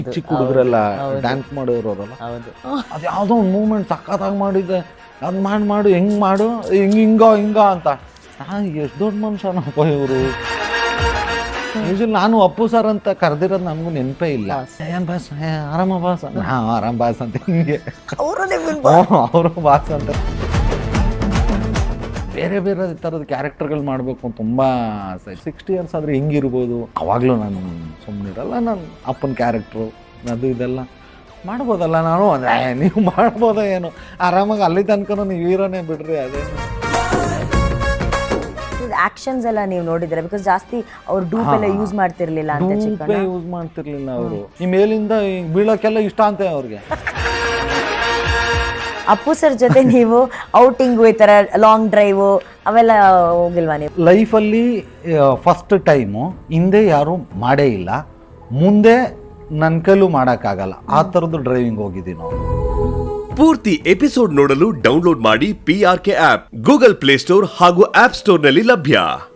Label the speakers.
Speaker 1: ಚಿಕ್ಕ ಹುಡುಗರೆಲ್ಲ ಡ್ಯಾನ್ಸ್ ಮಾಡೋರಲ್ಲ, ಅದು ಯಾವುದೋ ಒಂದು ಮೂಮೆಂಟ್ ಸಖತ್ತಾಗಿ ಮಾಡಿದ್ದೆ, ಅದು ಮಾಡು ಹೆಂಗೆ ಮಾಡು ಹಿಂಗ ಅಂತ. ನಾನು ಎಷ್ಟು ದೊಡ್ಡ ಮನುಷ್ಯನಪ್ಪ ಇವರು. ಯೂಶಲಿ ನಾನು ಅಪ್ಪು ಸರ್ ಅಂತ ಕರೆದಿರೋದು ನನಗೂ ನೆನಪೇ ಇಲ್ಲ. ಏನ್ ಬಾಸ್, ಆರಾಮ ಬಾಸ್, ಆರಾಮ್ ಬಾಸ್ ಅಂತ ಹಿಂಗೆ ಅವರು ಬಾಸ್ ಅಂತ. ಬೇರೆ ಬೇರೆ ಥರದ ಕ್ಯಾರೆಕ್ಟರ್ಗಳು ಮಾಡಬೇಕು ಅಂತ ತುಂಬ ಆಸೆ. 60 ಇಯರ್ಸ್ ಆದರೆ ಹೆಂಗಿರ್ಬೋದು, ಅವಾಗಲೂ ನಾನು ಸುಮ್ಮನಿರಲ್ಲ. ನಾನು ಅಪ್ಪನ ಕ್ಯಾರೆಕ್ಟ್ರು ಅದು ಇದೆಲ್ಲ ಮಾಡ್ಬೋದಲ್ಲ ನಾನು ಅಂದರೆ, ನೀವು ಮಾಡ್ಬೋದ ಏನು, ಆರಾಮಾಗಿ ಅಲ್ಲಿ ತನಕ ನೀವು ಹೀರೋನೇ ಬಿಡ್ರಿ. ಅದೇನು
Speaker 2: ಆಕ್ಷನ್ಸ್ ಎಲ್ಲ ನೀವು ನೋಡಿದ್ರೆ, ಬಿಕಾಸ್ ಜಾಸ್ತಿ ಅವ್ರು ಡೂಪ್ ಎಲ್ಲ ಯೂಸ್ ಮಾಡ್ತಿರ್ಲಿಲ್ಲ ಅಂತ.
Speaker 1: ಡೂಪೇ ಯೂಸ್ ಮಾಡ್ತಿರ್ಲಿಲ್ಲ ಅವರು. ಈ ಮೇಲಿಂದ ಬೀಳೋಕ್ಕೆಲ್ಲ ಇಷ್ಟ ಅಂತೆ ಅವ್ರಿಗೆ.
Speaker 2: ಅಪ್ಪು ಸರ್ ಜೊತೆ ನೀವು ಔಟಿಂಗು, ಈ ಥರ ಲಾಂಗ್ ಡ್ರೈವು ಅವೆಲ್ಲ ಹೋಗಿಲ್ವಾ ನೀವು?
Speaker 1: ಲೈಫಲ್ಲಿ ಫಸ್ಟ್ ಟೈಮು. ಹಿಂದೆ ಯಾರೂ ಮಾಡೇ ಇಲ್ಲ, ಮುಂದೆ ನನ್ನ ಕೈಲೂ ಮಾಡೋಕ್ಕಾಗಲ್ಲ ಆ ಥರದ್ದು ಡ್ರೈವಿಂಗ್ ಹೋಗಿದ್ದೀವಿ ನಾವು.
Speaker 3: ಪೂರ್ತಿ ಎಪಿಸೋಡ್ ನೋಡಲು ಡೌನ್ಲೋಡ್ ಮಾಡಿ PRK ಆಪ್, ಗೂಗಲ್ ಪ್ಲೇಸ್ಟೋರ್ ಹಾಗೂ ಆಪ್ ಸ್ಟೋರ್ನಲ್ಲಿ ಲಭ್ಯ.